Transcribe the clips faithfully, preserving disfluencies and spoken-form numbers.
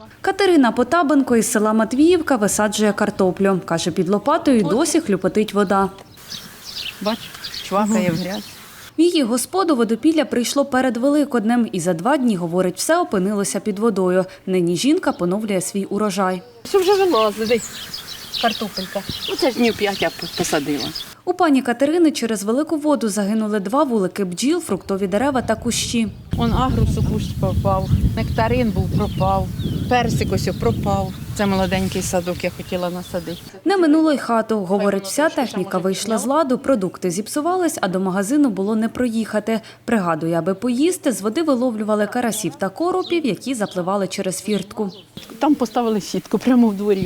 Катерина Потабенко із села Матвіївка висаджує картоплю. Каже, під лопатою досі хлюпотить вода. Бач, чвакає в грязь. В її господу водопілля прийшло перед Великоднем і за два дні, говорить, все опинилося під водою. Нині жінка поновлює свій урожай. Все вже вилазить, картопелька. Оце ж днів п'ять я посадила. У пані Катерини через велику воду загинули два вулики бджіл, фруктові дерева та кущі. Он агрусу кущ пропав, нектарин був пропав, персик ось пропав. Це молоденький садок я хотіла насадити. Не минуло й хату. Говорить, вся техніка вийшла з ладу, продукти зіпсувались, а до магазину було не проїхати. Пригадує, аби поїсти, з води виловлювали карасів та коропів, які запливали через фіртку. Там поставили сітку прямо в дворі,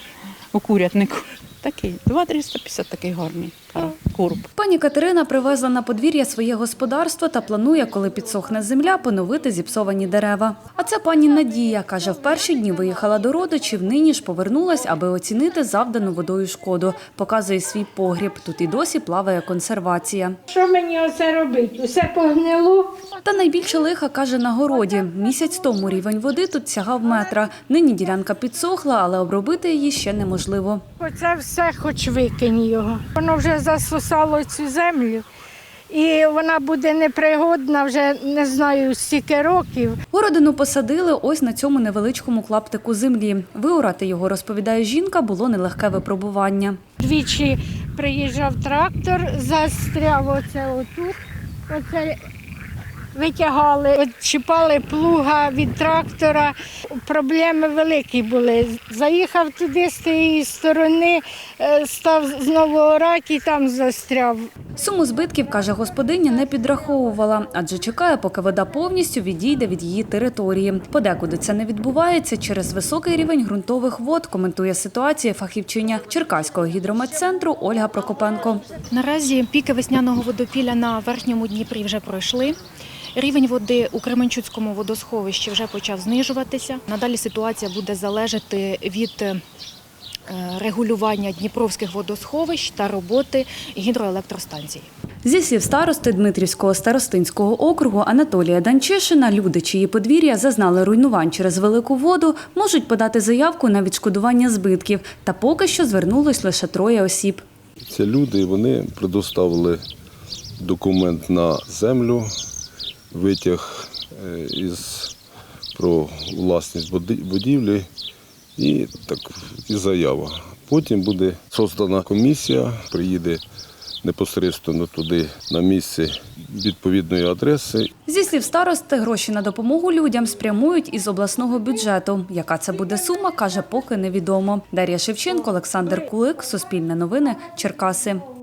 у курятнику. Такий, два триста п'ятдесят такий гарний короб. Пані Катерина привезла на подвір'я своє господарство та планує, коли підсохне земля, поновити зіпсовані дерева. А це пані Надія. Каже, в перші дні виїхала до родичів, нині ж повернулась, аби оцінити завдану водою шкоду. Показує свій погріб. Тут і досі плаває консервація. Що мені оце робити? Усе погнило? Та найбільше лиха, каже, на городі. Місяць тому рівень води тут сягав метра. Нині ділянка підсохла, але обробити її ще неможливо. Оце все хоч викинь його. Воно вже засосало цю землю. І вона буде непригодна вже, не знаю, стільки років. Городину посадили ось на цьому невеличкому клаптику землі. Виорати його, розповідає жінка, було нелегке випробування. Двічі приїжджав трактор, застряв оце отут. Оце витягали, відчіпали плуга від трактора. Проблеми великі були. Заїхав туди з тієї сторони, став знову орати і там застряв. Суму збитків, каже господиня, не підраховувала, адже чекає, поки вода повністю відійде від її території. Подекуди це не відбувається через високий рівень ґрунтових вод, коментує ситуацію фахівчиня Черкаського гідрометцентру Ольга Прокопенко. Наразі піки весняного водопілля на верхньому Дніпрі вже пройшли. Рівень води у Кременчуцькому водосховищі вже почав знижуватися. Надалі ситуація буде залежати від регулювання дніпровських водосховищ та роботи гідроелектростанцій. Зі слів старости Дмитрівського старостинського округу Анатолія Данчишина, люди, чиї подвір'я зазнали руйнувань через велику воду, можуть подати заявку на відшкодування збитків. Та поки що звернулось лише троє осіб. Це люди, вони предоставили документ на землю, витяг із, про власність будівлі і, так, і заява. Потім буде створена комісія, приїде непосередньо туди, на місце відповідної адреси. Зі слів старости, гроші на допомогу людям спрямують із обласного бюджету. Яка це буде сума, каже, поки невідомо. Дар'я Шевченко, Олександр Кулик, Суспільне новини, Черкаси.